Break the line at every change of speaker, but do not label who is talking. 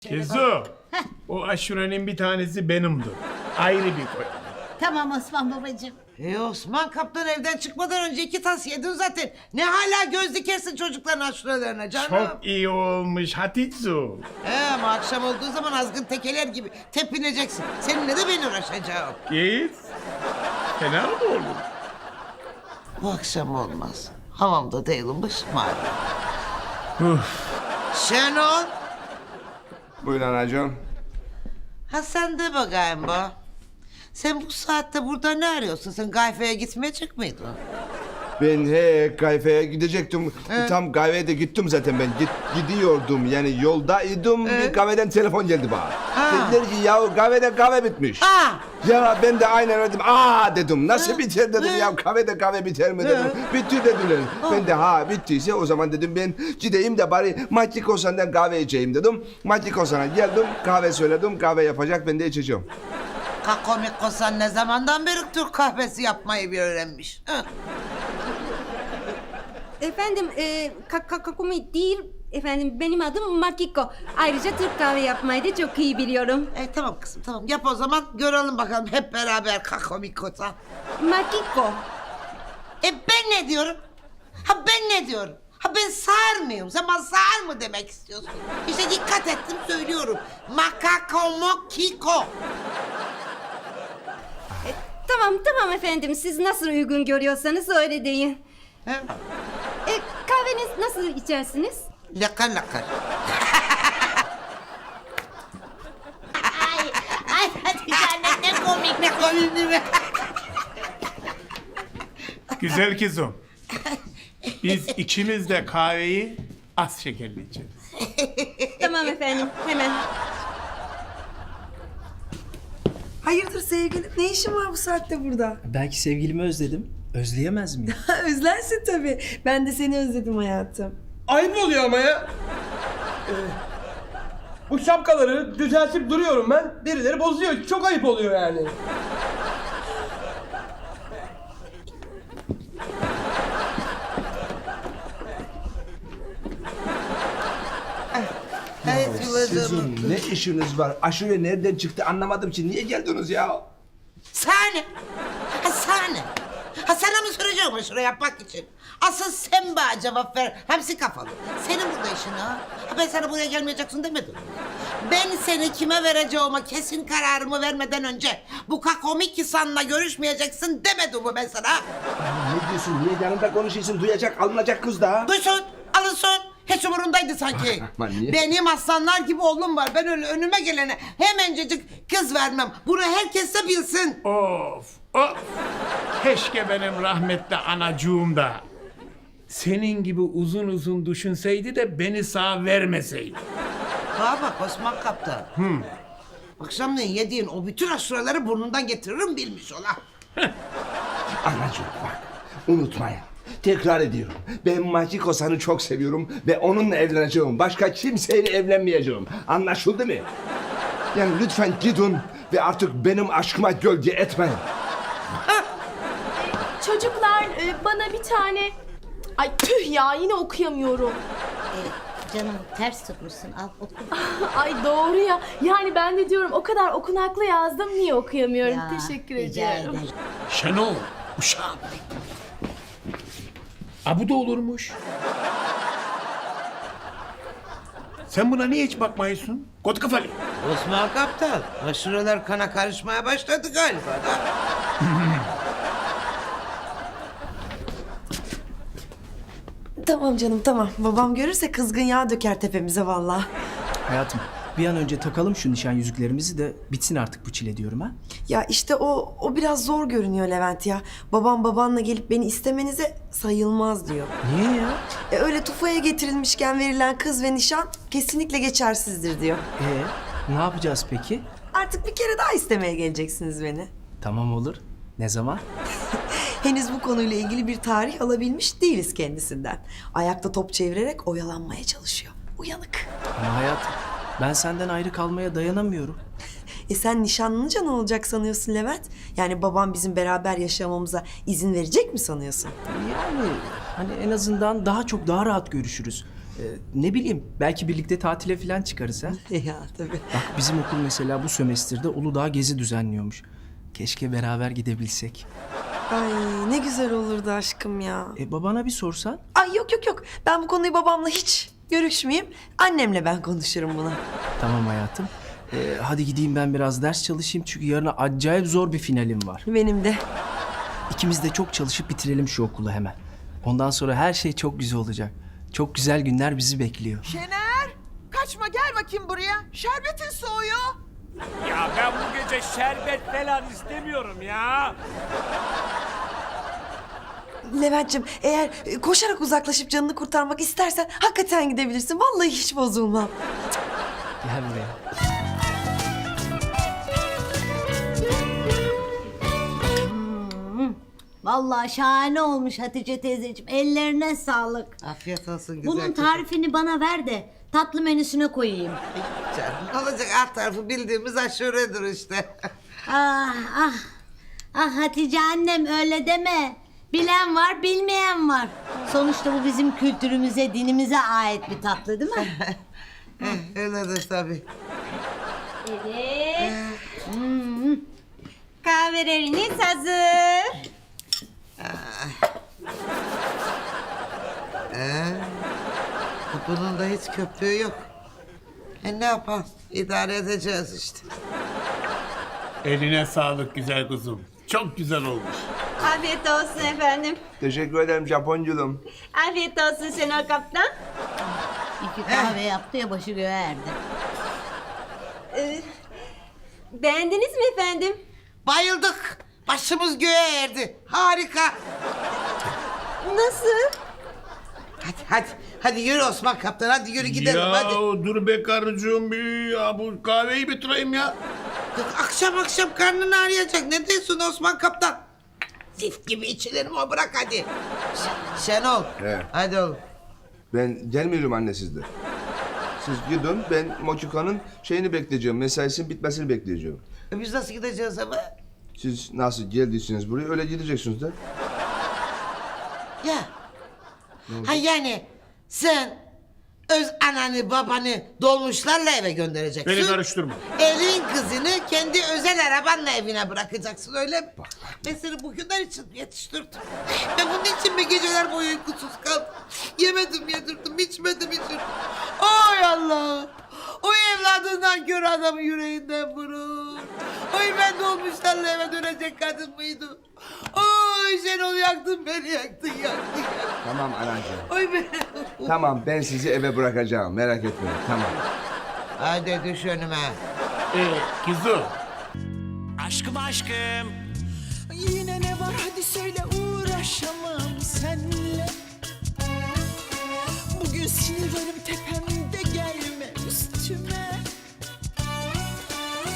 Kezo, o aşurenin bir tanesi benimdir. Ayrı bir koy.
Tamam Osman babacığım.
Osman kaptan evden çıkmadan önce 2 tas yedin zaten. Ne hala göz dikersin çocukların aşurelerine canım.
Çok iyi olmuş Hatice.
Ama akşam olduğu zaman azgın tekeler gibi tepineceksin. Seninle de ben uğraşacağım.
Git. Fena mı olur?
Bu akşam olmaz. Havamda değilim başım ağrıyor. Şenol.
Buyur anacığım.
Ha sen de bakayım bu. Sen bu saatte burada ne arıyorsun? Sen kahveye gitmeyecek miydin?
Ben kahveye gidecektim. Tam kahveye de gittim zaten ben. Gidiyordum yani yoldaydım. Bir kahveden telefon geldi bana. Dediler ki ya kahvede kahve bitmiş.
Ha!
Ya ben de aynen dedim. Dedim. Nasıl biter dedim ya kahvede kahve biter mi dedim. Bitti dediler. Ben de bittiyse o zaman dedim ben gideyim de bari Matikosan'dan kahve içeyim dedim. Matikosan'a geldim kahve söyledim. Kahve yapacak ben de içeceğim.
Kakomik Kosan ne zamandan beri Türk kahvesi yapmayı bir öğrenmiş. Ha?
Efendim, Kakumi değil, efendim benim adım Makiko. Ayrıca Türk kahve yapmayı da çok iyi biliyorum.
Tamam kızım tamam yap o zaman görelim bakalım hep beraber Kakomik Kosan.
Makiko.
Ben ne diyorum? Ben ne diyorum? Ben sağır mıyım? Sen bana sağır mı demek istiyorsun? İşte dikkat ettim söylüyorum. Makakomokiko.
Tamam efendim, siz nasıl uygun görüyorsanız öyle deyin.
He?
Kahveniz nasıl içersiniz?
Lakar lakar.
Ay Hatice anne ne komik.
Ne komik değil mi?
Güzel kızım. Biz ikimiz de kahveyi az şekerli içeriz.
Tamam efendim, hemen.
Hayırdır sevgilim? Ne işin var bu saatte burada?
Belki sevgilimi özledim. Özleyemez miyim?
Özlersin tabii. Ben de seni özledim hayatım.
Ayıp oluyor ama ya. Bu şapkaları düzeltip duruyorum ben. Birileri bozuyor. Çok ayıp oluyor yani.
Evet Yılacığım.
Sizin ne işiniz var? Aşure nereden çıktı anlamadım ki. Niye geldiniz ya?
Sahne. Sahne. Sana mı soracağım şuraya yapmak için? Asıl sen bana cevap ver. Hepsi kafalı. Senin burada işin ha. Ben sana buraya gelmeyeceksin demedim. Ben seni kime vereceğime kesin kararımı vermeden önce bu kakomik insanla görüşmeyeceksin demedim mi ben sana?
Ne diyorsun? Niye yanında konuşuyorsun? Duyacak, alınacak kız da.
Duysun, alınsın. Hiç umurundaydı sanki.
Aman niye?
Benim aslanlar gibi oğlum var. Ben öyle önüme gelene hemencecik kız vermem. Bunu herkes de bilsin.
Of. Keşke benim rahmetli anacığım da senin gibi uzun uzun düşünseydi de beni sağ vermeseydi.
Ha bak Osman Kaptan. Akşamleyin yediğin o bütün aşureleri burnundan getiririm bilmiş ola.
Anacığım bak, unutmayın. Tekrar ediyorum. Ben Makiko San'ı çok seviyorum ve onunla evleneceğim. Başka kimseyle evlenmeyeceğim. Anlaşıldı mı? Yani lütfen gidin ve artık benim aşkıma gölge etmeyin.
Çocuklar bana bir tane... Ay tüh ya yine okuyamıyorum.
Canım ters tutmuşsun al oku.
Ay doğru ya. Yani ben de diyorum o kadar okunaklı yazdım niye okuyamıyorum.
Ya,
Teşekkür
rica
ediyorum.
ederim.
Şenol, uşağım. Bu da olurmuş. Sen buna niye hiç bakmıyorsun? Kot kafalı.
Osman Kaptan, aşureler kana karışmaya başladı galiba da.
Tamam canım tamam. Babam görürse kızgın yağ döker tepemize vallahi.
Hayatım bir an önce takalım şu nişan yüzüklerimizi de bitsin artık bu çile diyorum ha.
Ya işte o biraz zor görünüyor Levent ya. Babam babanla gelip beni istemenize sayılmaz diyor.
Niye ya?
Öyle tufaya getirilmişken verilen kız ve nişan kesinlikle geçersizdir diyor.
Ne yapacağız peki?
Artık bir kere daha istemeye geleceksiniz beni.
Tamam olur. Ne zaman?
Henüz bu konuyla ilgili bir tarih alabilmiş değiliz kendisinden. Ayakta top çevirerek oyalanmaya çalışıyor. Uyanık.
Ama hayatım ben senden ayrı kalmaya dayanamıyorum.
Sen nişanlanınca ne olacak sanıyorsun Levent? Yani babam bizim beraber yaşamamıza izin verecek mi sanıyorsun?
Yani hani en azından daha çok daha rahat görüşürüz. Ne bileyim belki birlikte tatile falan çıkarız ha.
Ya tabii.
Bak bizim okul mesela bu sömestrde Uludağ gezi düzenliyormuş. Keşke beraber gidebilsek.
Ay ne güzel olurdu aşkım ya.
Babana bir sorsan.
Ay yok. Ben bu konuyu babamla hiç görüşmeyeyim. Annemle ben konuşurum bunu.
Tamam hayatım. Hadi gideyim ben biraz ders çalışayım çünkü yarın acayip zor bir finalim var.
Benim de.
İkimiz de çok çalışıp bitirelim şu okulu hemen. Ondan sonra her şey çok güzel olacak. Çok güzel günler bizi bekliyor.
Şener, kaçma gel bakayım buraya. Şerbetin soğuyor.
Ya ben bu gece şerbet falan istemiyorum ya.
Levent'ciğim eğer koşarak uzaklaşıp canını kurtarmak istersen hakikaten gidebilirsin. Vallahi hiç bozulmam.
Gel buraya.
Vallahi şahane olmuş Hatice teyzeciğim. Ellerine sağlık.
Afiyet olsun güzel
Bunun
kızım.
tarifini bana ver de tatlı menüsüne koyayım.
Canım, ne olacak alt tarafı bildiğimiz aşuredir işte.
Ah ah. Ah Hatice annem öyle deme. Bilen var, bilmeyen var. Sonuçta bu bizim kültürümüze, dinimize ait bir tatlı değil mi?
Öyledir tabii.
Evet. Kahveleriniz hazır.
Bunun da hiç köpüğü yok. Ne yapalım? İdare edeceğiz işte.
Eline sağlık güzel kuzum. Çok güzel olmuş.
Afiyet olsun efendim.
Teşekkür ederim Japonculum.
Afiyet olsun Şenol Kaptan.
İki kahve yaptı ya başı göğe erdi.
Beğendiniz mi efendim?
Bayıldık. Başımız göğe erdi. Harika.
Nasıl?
Hadi yürü Osman Kaptan. Hadi yürü gidelim
Ya
hadi.
dur be karıcığım bir ya bu kahveyi bitireyim ya.
Yok, akşam karnın ağrıyacak. Ne diyorsun Osman Kaptan? Zift gibi içilir mi o? Bırak hadi. Şenol.
He.
Hadi oğlum.
Ben gelmiyorum anne sizde. Siz gidin ben Mochiko'nun şeyini bekleyeceğim. Mesaisinin bitmesini bekleyeceğim.
Biz nasıl gideceğiz ama?
Siz nasıl geldiyseniz buraya öyle gideceksiniz de.
Ya. Ha yani sen öz ananı babanı dolmuşlarla eve göndereceksin.
Beni karıştırma.
Elin kızını kendi özel arabanla evine bırakacaksın öyle mi? Ben seni bugünler için yetiştirdim. Ben bunun için mi geceler boyu uykusuz kaldım? Yemedim yedirdim, içmedim içirdim. Oy Allah! O evladından kör adamı yüreğinden vurur. Oy ben dolmuşlarla eve dönecek kadın mıydım? Oy Şenol yaktın beni yaktın.
Tamam anacığım.
Oy beni.
Tamam ben sizi eve bırakacağım merak etmeyin tamam.
Hadi düş önüme.
Kızım.
Aşkım aşkım.
Yine ne var hadi söyle uğraşamam.